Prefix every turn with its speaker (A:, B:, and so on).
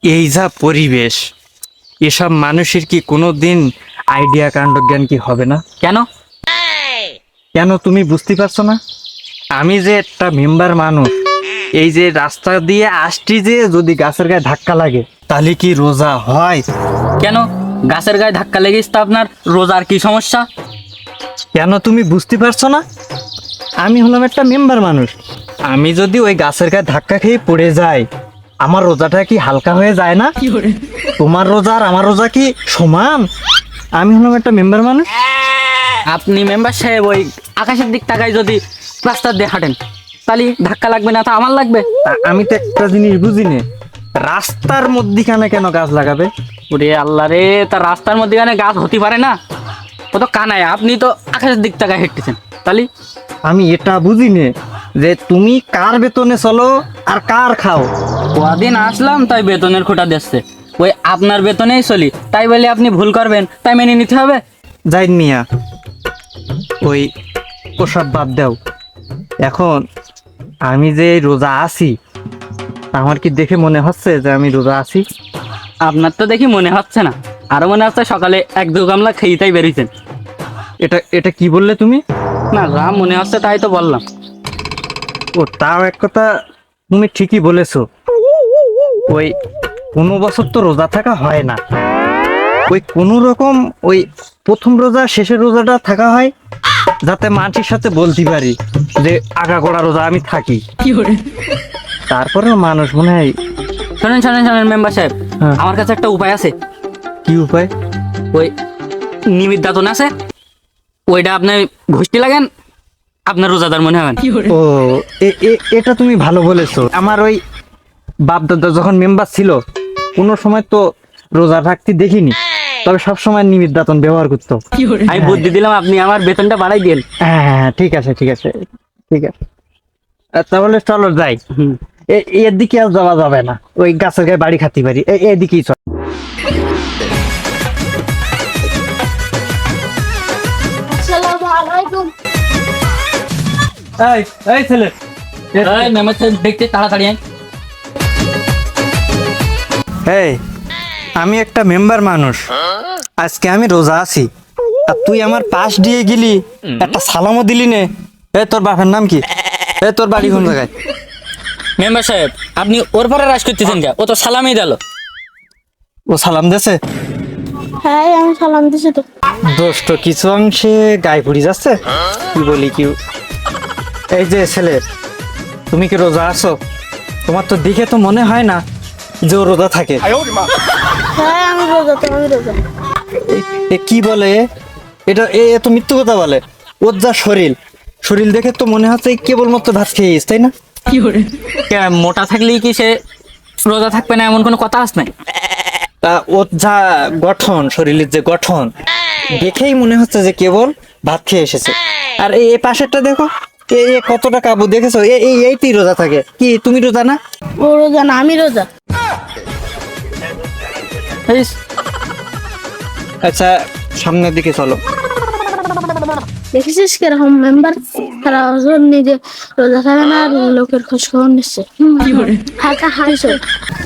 A: এই যা পরিবেশ, এসব মানুষের কি কোনোদিন আইডিয়া কাণ্ডজ্ঞান কি হবে না?
B: কেন?
A: কেন তুমি বুঝতে পারছো না? আমি যে একটা মেম্বার মানুষ, এই যে রাস্তা দিয়ে আসছি, যে যদি গাছের গায়ে ধাক্কা লাগে তাহলে কি রোজা হয়?
B: কেন গাছের গায়ে ধাক্কা লেগেছে তা আপনার রোজার কি সমস্যা?
A: কেন তুমি বুঝতে পারছো না? আমি হলাম একটা মেম্বার মানুষ, আমি যদি ওই গাছের গায়ে ধাক্কা খেয়ে পড়ে যাই, আমার রোজাটা কি হালকা হয়ে যায় না? তোমার রোজা আর আমার রোজা কি সমান? আমি হলাম একটা মেম্বার মানুষ।
B: আপনি মেম্বার সাহেব ওই আকাশের দিক তাকায় যদি রাস্তার দিয়ে হাঁটেন তাহলে ধাক্কা লাগবে না, তা আমার লাগবে।
A: আমি তো একটা জিনিস বুঝি না, রাস্তার মধ্যিখানে কেন গাছ লাগাবে?
B: ওরে আল্লাহ রে, তা রাস্তার মধ্যে গাছ হতে পারে না? ও তো কানায়, আপনি তো আকাশের দিক তাকায় হেঁটতেছেন, তাহলে
A: আমি এটা বুঝি না যে তুমি কার বেতনে চলো আর কার খাও।
B: কদিন আসলাম তাই বেতনের খোটা দিচ্ছে, ওই আপনার বেতনেই চলি, তাই বলে আপনি ভুল করবেন তাই মেনে নিতে হবে?
A: যাই মিয়া, ওই ওসব বাদ দাও। এখন আমি যে রোজা আছি, আমার কি দেখে মনে হচ্ছে যে আমি রোজা আছি?
B: আপনার তো দেখি মনে হচ্ছে না, আরো মনে হচ্ছে সকালে এক দু গামলা খেয়ে তাই বেরিয়েছেন।
A: এটা এটা কি বললে তুমি?
B: না, যা মনে হচ্ছে তাই তো বললাম।
A: ও, তাও এক কথা, তুমি ঠিকই বলেছো। ওই কোনো বছর তো রোজা থাকা হয় না, ওই কোনো রকম ওই প্রথম রোজা শেষের রোজাটা থাকা হয়, যাতে মানুষের সাথে বলতে পারি যে আগাগোড়া রোজা আমি থাকি। তারপরেও মানুষ মনে হয়।
B: শোনেন শোনেন শোনেন মেম্বার সাহেব,
A: হ্যাঁ।
B: আমার কাছে একটা উপায় আছে।
A: কি উপায়?
B: ওই নিমিত দাতন আছে, ওইটা আপনি ঘুষতে লাগেন, আপনার রোজাদার মনে হবেন।
A: ও, এটা তুমি ভালো বলেছো। আমার ওই বাপ দাদা যখন মেম্বার ছিল, কোনো সময় তো রোজা রাখতে দেখিনি, তবে সব সময় নিমিত দাতন ব্যবহার করতো।
B: আমি বুদ্ধি দিলাম, আপনি আমার বেতনটা বাড়াই দিন।
A: হ্যাঁ হ্যাঁ, ঠিক আছে ঠিক আছে ঠিক আছে। তাহলে চলো যাই। এর দিকে আর যাওয়া যাবে না, ওই গাছের গায়ে বাড়ি খাতে পারি, এদিকেই চল।
C: আসসালামু আলাইকুম।
A: এই ছেলে,
B: এই মেম্বার সাহেব দেখতে তাড়াতাড়ি আয়।
A: এই, আমি একটা মেম্বার মানুষ, আজকে আমি রোজা আছি, আর তুই আমার পাশ দিয়ে গেলি, একটা সালামও দিলি নে। তোর বাপের নাম কি? তোর বাড়ি কোন জায়গায়?
B: মেম্বার সাহেব আপনি ওর পরে রাজ করতেছেন কে? ও তো সালামই দিল।
A: ও সালাম দেছে?
C: হ্যাঁ, আমি সালাম দিছি তো।
A: দোষ তো কিছু অংশে গায়ে পড়ে যাচ্ছে। কি বলি কি, এই যে ছেলে, তুমি কি রোজা আছো? তোমার তো দেখে তো মনে হয় না যে ও রোজা থাকে।
C: হ্যাঁ, আমি রোজা তো, আমি রোজা।
A: এ কি বলে? এটা তো মিথ্যে কথা বলে। ওর যা শরীর, শরীর দেখে তো মনে হচ্ছে কেবলমাত্র ভাত খেয়েছিস, তাই না?
B: মোটা থাকলেই কি সে রোজা থাকবে না এমন কোনো কথা আছে নাই?
A: ওর যা গঠন, শরীরের যে গঠন, দেখেই মনে হচ্ছে যে কেবল ভাত খেয়ে এসেছে। আর এই পাশেরটা দেখো, কতটা কাবু দেখেছো? এইতেই রোজা থাকে। কি তুমি রোজা না?
C: ও রোজা না, আমি রোজা।
B: এই,
A: আচ্ছা, সামনের দিকে চলো।
C: দেখেছিস কিরকম মেম্বার, তারা ওজন নিজে রোজা থাকে না আর লোকের খোঁজ খবর নিচ্ছে। হালকা হাইছো।